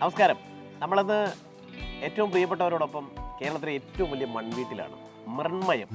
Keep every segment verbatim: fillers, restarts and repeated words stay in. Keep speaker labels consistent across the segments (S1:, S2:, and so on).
S1: നമസ്കാരം. നമ്മളത് ഏറ്റവും പ്രിയപ്പെട്ടവരോടൊപ്പം കേരളത്തിലെ ഏറ്റവും വലിയ മൺവീട്ടിലാണ്, മൃണ്മയം.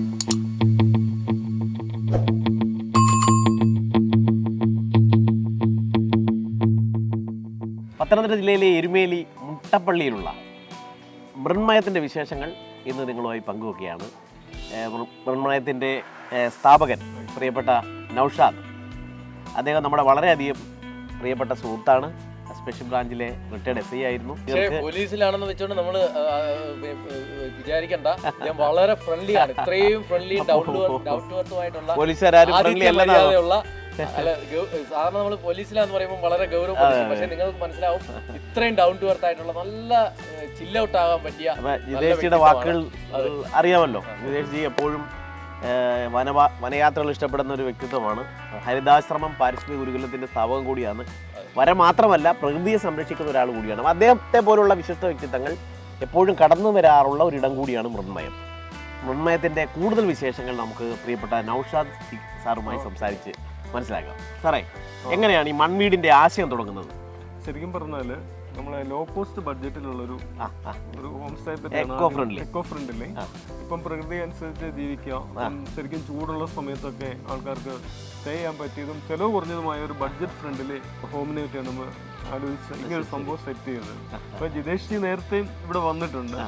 S1: പത്തനംതിട്ട ജില്ലയിലെ എരുമേലി മുട്ടപ്പള്ളിയിലുള്ള മൃണ്മയത്തിൻ്റെ വിശേഷങ്ങൾ ഇന്ന് നിങ്ങളുമായി പങ്കുവെക്കുകയാണ്. മൃണ്മയത്തിൻ്റെ സ്ഥാപകൻ പ്രിയപ്പെട്ട നൗഷാദ്, അദ്ദേഹം നമ്മുടെ വളരെയധികം പ്രിയപ്പെട്ട സുഹൃത്താണ്. സ്പെഷ്യൽ ബ്രാഞ്ചിലെ റിട്ടയർഡ് എസ് ഐ ആയിരുന്നു.
S2: പോലീസിലാണെന്ന് വെച്ചോണ്ട് നമ്മള് വിചാരിക്കണ്ട, ഞാൻ വളരെ ഫ്രണ്ട്ലി ആണ്. ഇത്രയും ഫ്രണ്ട്ലി ഡൗട്ടുവർത്തുമായിട്ടുള്ള
S1: പോലീസുകാരും
S2: സാധാരണ നമ്മൾ പോലീസിലാന്ന് പറയുമ്പോൾ വളരെ ഗൗരവം, പക്ഷെ നിങ്ങൾക്ക് മനസ്സിലാവും ഇത്രയും ഡൗൺ ടു എർത്ത് ആയിട്ടുള്ള നല്ല ചില്ല ഔട്ട് ആകാൻ പറ്റിയ
S1: ജിതേഷിയുടെ വാക്കുകൾ അറിയാമല്ലോ. ജിതേഷ് എപ്പോഴും വനവാ വനയാത്രകൾ ഇഷ്ടപ്പെടുന്ന ഒരു വ്യക്തിത്വമാണ്. ഹരിതാശ്രമം പാരിസ്ഥിതിക ഗുരുകുലത്തിന്റെ സ്ഥാപകം കൂടിയാണ്. വര മാത്രമല്ല, പ്രകൃതിയെ സംരക്ഷിക്കുന്ന ഒരാൾ കൂടിയാണ്. അദ്ദേഹത്തെ പോലുള്ള വിശിഷ്ട വ്യക്തിത്വങ്ങൾ എപ്പോഴും കടന്നു വരാറുള്ള ഒരിടം കൂടിയാണ് മൃണ്മയം. മൃണ്മയത്തിന്റെ കൂടുതൽ വിശേഷങ്ങൾ നമുക്ക് പ്രിയപ്പെട്ട നൗഷാദ് സാറുമായി സംസാരിച്ച് മനസ്സിലാക്കാം. സാറേ, എങ്ങനെയാണ് ഈ മൺവീടിന്റെ ആശയം തുടങ്ങുന്നത്?
S3: ശരിക്കും പറഞ്ഞാല് നമ്മളെ ലോ കോസ്റ്റ് ബഡ്ജറ്റിലുള്ളൊരു ഒരു home stay
S1: eco friendly
S3: eco friendly ഇപ്പം പ്രകൃതി അനുസരിച്ച് ജീവിക്കാം. ശരിക്കും ചൂടുള്ള സമയത്തൊക്കെ ആൾക്കാർക്ക് സ്റ്റേ ചെയ്യാൻ പറ്റിയതും ചെലവ് കുറഞ്ഞതുമായ ഒരു ബഡ്ജറ്റ് ഫ്രണ്ട്ലി ഹോമിനെ പറ്റിയാണ് നമ്മൾ ആലോചിച്ച് ഇങ്ങനെ ഒരു സംഭവം സെറ്റ് ചെയ്തത്. അപ്പൊ ജിതേഷ് ജി നേരത്തെയും ഇവിടെ വന്നിട്ടുണ്ട്.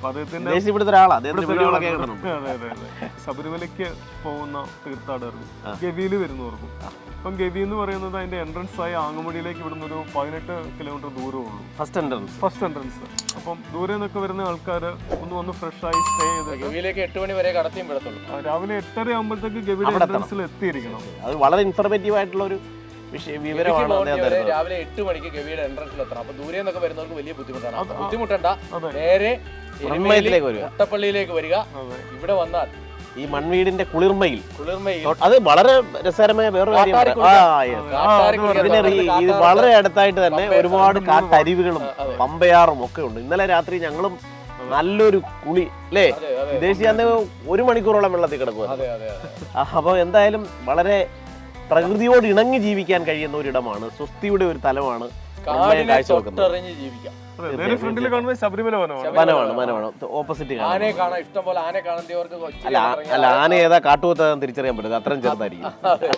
S3: ശബരിമലയ്ക്ക് പോകുന്ന തീർത്ഥാടകർക്കും ഗവിയില് വരുന്നവർക്കും അപ്പം ഗവി എന്ന് പറയുന്നത് അതിന്റെ എൻട്രൻസ് ആയി ആങ്ങമുടിയിലേക്ക് ഇവിടുന്ന് ഒരു പതിനെട്ട് കിലോമീറ്റർ ദൂരമേ ഉള്ളൂ.
S1: ഫസ്റ്റ് എൻട്രൻസ്
S3: ഫസ്റ്റ് എൻട്രൻസ് അപ്പം ദൂരെ നിന്നൊക്കെ വരുന്ന ആൾക്കാർ ഒന്ന് വന്ന് ഫ്രഷ് ആയി സ്റ്റേ ചെയ്ത്
S2: ഗവിയിലേക്ക് എട്ട് മണി വരെ കടത്തിയും വിടത്തുള്ളൂ.
S3: രാവിലെ എട്ടര ആകുമ്പോഴത്തേക്ക് ഗവിയുടെ എൻട്രൻസിൽ എത്തിയിരിക്കണം.
S1: അത് വളരെ ഇൻഫർമേറ്റീവ് ആയിട്ടുള്ള ഒരു
S2: രാവിലെ എട്ട് മണിക്ക് ഗവിയുടെ എൻട്രൻസിൽ എത്തണം. അപ്പൊ ദൂരെ നിന്നൊക്കെ വരുന്നവർക്ക് വലിയ ബുദ്ധിമുട്ടാണ്. ബുദ്ധിമുട്ടണ്ട, നേരെ മുട്ടപ്പള്ളിയിലേക്ക് വരിക. ഇവിടെ വന്നാൽ
S1: ഈ മൺവീടിന്റെ കുളിർമയിൽ
S2: കുളിർമയിൽ
S1: അത് വളരെ രസകരമായ വേറൊരു കാര്യമാണ്. ഇത് വളരെ അടുത്തായിട്ട് തന്നെ ഒരുപാട് കാട്ടരുവികളും പമ്പയാറും ഒക്കെ ഉണ്ട്. ഇന്നലെ രാത്രി ഞങ്ങളും നല്ലൊരു കുളി അല്ലേ, വിദേശി അന്ന് ഒരു മണിക്കൂറോളം വെള്ളത്തിൽ കിടക്കുക. അപ്പൊ എന്തായാലും വളരെ പ്രകൃതിയോട് ഇണങ്ങി ജീവിക്കാൻ കഴിയുന്ന ഒരിടമാണ്, സ്വസ്തിയുടെ ഒരു തലമാണ്.
S3: ശബരിമല
S1: വനമാണ് വനമാണ് ഓപ്പോസിറ്റ്.
S2: ആനയെ കാണാൻ ഇഷ്ടം പോലെ ആനയെ കാണുന്നവർക്ക്
S1: അല്ല, ആന ഏതാ കാട്ടുപോത്താന്ന് തിരിച്ചറിയാൻ പറ്റില്ല, അത്രയും ചെറുതായിരിക്കും.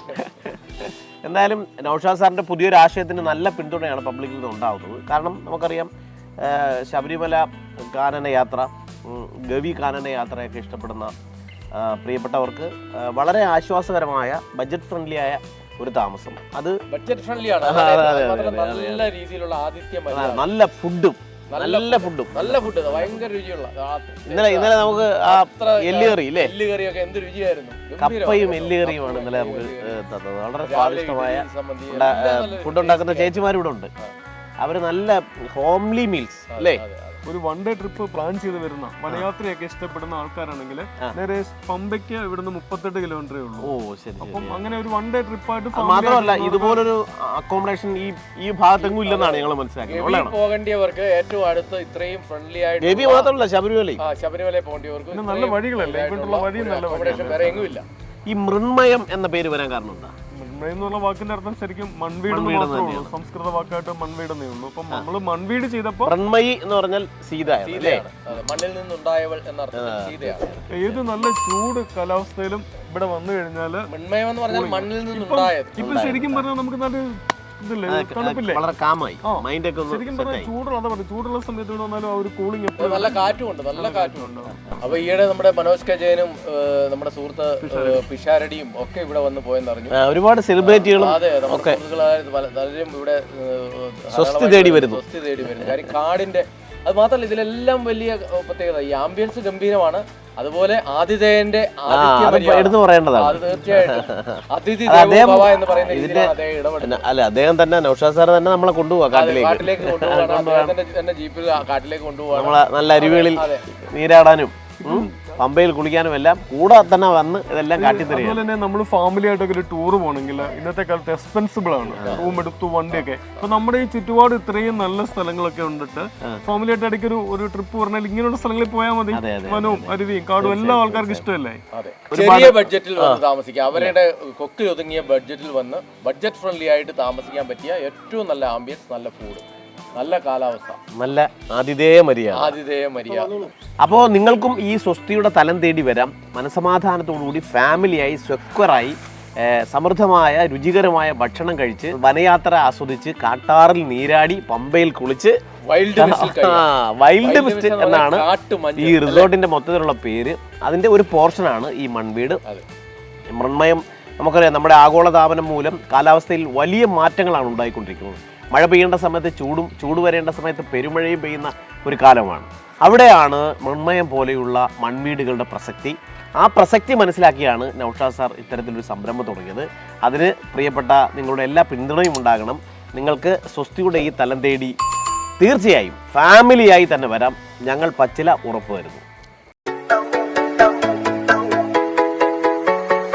S1: എന്തായാലും നൗഷാദ് സാറിന്റെ പുതിയൊരു ആശയത്തിന് നല്ല പിന്തുണയാണ് പബ്ലിക്കിൽ നിന്ന് ഉണ്ടാകുന്നത്. കാരണം നമുക്കറിയാം, ശബരിമല കാനന യാത്ര, ഗവി കാനന യാത്രയൊക്കെ ഇഷ്ടപ്പെടുന്ന പ്രിയപ്പെട്ടവർക്ക് വളരെ ആശ്വാസകരമായ ബഡ്ജറ്റ് ഫ്രണ്ട്ലി ആയ ഒരു താമസം. അത്
S2: ബഡ്ജറ്റ് ഫ്രണ്ട്ലി ആണ്. നല്ല രീതിയിലുള്ള ആതിഥ്യം,
S1: നല്ല ഫുഡും നല്ല ഫുഡും
S2: നല്ല ഫുഡ്, ഭയങ്കര രുചിയുള്ള.
S1: ഇന്നലെ ഇന്നലെ നമുക്ക് ആ എല്ലുകറി ഇല്ലേ,
S2: എല്ലുകറിയൊക്കെ എന്ത് രുചിയായിരുന്നു.
S1: കപ്പയും എല്ലുകറിയുമാണ് ഇന്നലെ നമുക്ക് തന്നത്. വളരെ സ്വാദിഷ്ടമായ ഫുഡ് ഉണ്ടാക്കുന്ന ചേച്ചിമാർ ഇവിടെ ഉണ്ട്. അവര് നല്ല ഹോംലി മീൽസ് അല്ലേ.
S3: ഒരു വൺ ഡേ ട്രിപ്പ് പ്ലാൻ ചെയ്ത് വരുന്ന വനയാത്രയൊക്കെ ഇഷ്ടപ്പെടുന്ന ആൾക്കാരാണെങ്കിൽ നേരെ പമ്പയ്ക്ക് ഇവിടുന്ന് മുപ്പത്തെട്ട് കിലോമീറ്ററേ ഉള്ളൂ.
S1: ഓ ശരി.
S3: അപ്പം അങ്ങനെ ഒരു വൺ ഡേ ട്രിപ്പായിട്ട്
S1: മാത്രമല്ല, ഇതുപോലൊരു അക്കോമഡേഷൻ ഈ ഈ ഭാഗത്തെങ്ങും ഇല്ലെന്നാണ് ഞങ്ങൾ മനസ്സിലാക്കിയത്.
S2: പോകേണ്ടിയവർക്ക് ഏറ്റവും അടുത്ത് ഇത്രയും ഫ്രണ്ട്ലി ആയിട്ട്
S1: ഗവി മാത്രമല്ല, ശബരിമല
S2: ശബരിമല പോകേണ്ടിയവർക്ക്
S3: നല്ല വഴികളല്ലേ, ഇവിടെയുള്ള വഴി നല്ല
S2: വേറെ എങ്ങും ഇല്ല.
S1: ഈ മൃണ്മയം എന്ന പേര് വരാൻ കാരണം എന്താ?
S3: എന്നുള്ള വാക്കിന്റെ അർത്ഥം ശരിക്കും മൺവീട് മാത്രമേ ഉള്ളൂ. സംസ്കൃത വാക്കായിട്ട് മൺവീട് എന്നേ ഉള്ളൂ. അപ്പൊ നമ്മള് മൺവീട് ചെയ്തപ്പോ
S1: മൃണ്മയി എന്ന് പറഞ്ഞാൽ സീത,
S2: മണ്ണിൽ നിന്നുണ്ടായവൾ എന്നർത്ഥം സീതയാണ്.
S3: ഏത് നല്ല ചൂട് കാലാവസ്ഥയിലും ഇവിടെ വന്നു കഴിഞ്ഞാല്
S2: മൺമയം എന്ന് പറഞ്ഞാൽ മണ്ണിൽ നിന്നുണ്ടായത്.
S3: ഇപ്പൊ ശരിക്കും പറഞ്ഞാൽ നമുക്ക് നല്ല
S1: വളരെ കാമായി മൈൻഡ് ഒക്കെ
S3: ശരിക്കും പറഞ്ഞാൽ ചൂടുള്ള ചൂടുള്ള സമയത്ത് വന്നാലും ആ ഒരു കൂളിംഗ്
S2: നല്ല കാറ്റുമുണ്ട്, നല്ല കാറ്റുമുണ്ട്. അപ്പൊ ഈയിടെ നമ്മുടെ മനോജ് കെ ജയനും നമ്മുടെ സുഹൃത്ത് പിഷാരടിയും ഒക്കെ ഇവിടെ വന്ന് പോയെന്ന് അറിഞ്ഞു.
S1: ഒരുപാട് സെലിബ്രിറ്റികളും
S2: അതെ, നമ്മുടെ പലരും ഇവിടെ
S1: സ്വസ്തി തേടി വരുന്നു
S2: സ്വസ്തി തേടി വരുന്നു കാര്യം കാടിന്റെ. അത് മാത്രമല്ല, ഇതിലെല്ലാം വലിയ പ്രത്യേകത ഈ ആംബിയൻസ് ഗംഭീരമാണ്. അതുപോലെ ആതിഥേയന്റെ
S1: എടുത്തു പറയേണ്ടതാണ്.
S2: അത് തീർച്ചയായിട്ടും അതിഥി എന്ന് പറയുന്ന
S1: അല്ല, അദ്ദേഹം തന്നെ നൗഷാദ് സാർ തന്നെ നമ്മളെ കൊണ്ടുപോവാ കാട്ടിലേക്ക്
S2: കാട്ടിലേക്ക് കൊണ്ടുപോകാൻ തന്നെ ജീപ്പിൽ കാട്ടിലേക്ക് കൊണ്ടുപോകാൻ,
S1: നമ്മളെ നല്ല അരുവികളിൽ നീരാടാനും പമ്പയിൽ കുളിക്കാനും എല്ലാം കൂടെ തന്നെ വന്ന് ഇതെല്ലാം കാട്ടിത്തരും.
S3: അതുപോലെ തന്നെ നമ്മൾ ഫാമിലി ആയിട്ടൊക്കെ ഒരു ടൂർ പോകണമെങ്കിൽ ഇന്നത്തെ കാലത്ത് എക്സ്പെൻസിബിൾ ആണ്, റൂം എടുത്തു വണ്ടിയൊക്കെ. അപ്പൊ നമ്മുടെ ഈ ചുറ്റുപാട് ഇത്രയും നല്ല സ്ഥലങ്ങളൊക്കെ ഉണ്ടിട്ട് ഫാമിലി ആയിട്ട് ഇടയ്ക്ക് ഒരു ഒരു ട്രിപ്പ് പറഞ്ഞാൽ ഇങ്ങനെയുള്ള സ്ഥലങ്ങളിൽ പോയാൽ മതി. വനവും അരുവിയും കാടും എല്ലാ ആൾക്കാർക്കും ഇഷ്ടമല്ലേ.
S2: ചെറിയ ബഡ്ജറ്റിൽ വന്ന് താമസിക്കാം, അവരുടെ കൊക്കിൽ ഒതുങ്ങിയ ബഡ്ജറ്റിൽ വന്ന് ബഡ്ജറ്റ് ഫ്രണ്ട്ലി ആയിട്ട് താമസിക്കാൻ പറ്റിയ ഏറ്റവും നല്ല ആംബിയൻസ്, നല്ല ഫുഡ്, നല്ല കാലാവസ്ഥ,
S1: നല്ല ആതിഥേയ മര്യാദ
S2: ആതിഥേയ മര്യാദ.
S1: അപ്പോൾ നിങ്ങൾക്കും ഈ സ്വസ്തിയുടെ തലം തേടി വരാം. മനസമാധാനത്തോടുകൂടി ഫാമിലിയായി സ്വക്വറായി സമൃദ്ധമായ രുചികരമായ ഭക്ഷണം കഴിച്ച് വനയാത്ര ആസ്വദിച്ച് കാട്ടാറിൽ നീരാടി പമ്പയിൽ കുളിച്ച്
S2: വൈൽഡ്
S1: വൈൽഡ് മിസ്റ്റ് എന്നാണ് ഈ റിസോർട്ടിന്റെ മൊത്തത്തിലുള്ള പേര്. അതിന്റെ ഒരു പോർഷനാണ് ഈ മൺവീട്. മൃണ്മയം നമുക്കറിയാം, നമ്മുടെ ആഗോളതാപനം മൂലം കാലാവസ്ഥയിൽ വലിയ മാറ്റങ്ങളാണ് ഉണ്ടായിക്കൊണ്ടിരിക്കുന്നത്. മഴ പെയ്യേണ്ട സമയത്ത് ചൂടും ചൂട് വരേണ്ട സമയത്ത് പെരുമഴയും പെയ്യുന്ന ഒരു കാലമാണ്. അവിടെയാണ് മൃണ്മയം പോലെയുള്ള മൺവീടുകളുടെ പ്രസക്തി. ആ പ്രസക്തി മനസ്സിലാക്കിയാണ് നൗഷാദ് സാർ ഇത്തരത്തിലൊരു സംരംഭം തുടങ്ങിയത്. അതിന് പ്രിയപ്പെട്ട നിങ്ങളുടെ എല്ലാ പിന്തുണയും ഉണ്ടാകണം. നിങ്ങൾക്ക് സ്വസ്തിയുടെ ഈ തലം തേടി തീർച്ചയായും ഫാമിലിയായി തന്നെ വരാം. ഞങ്ങൾ പച്ചില ഉറപ്പ് വരുന്നു.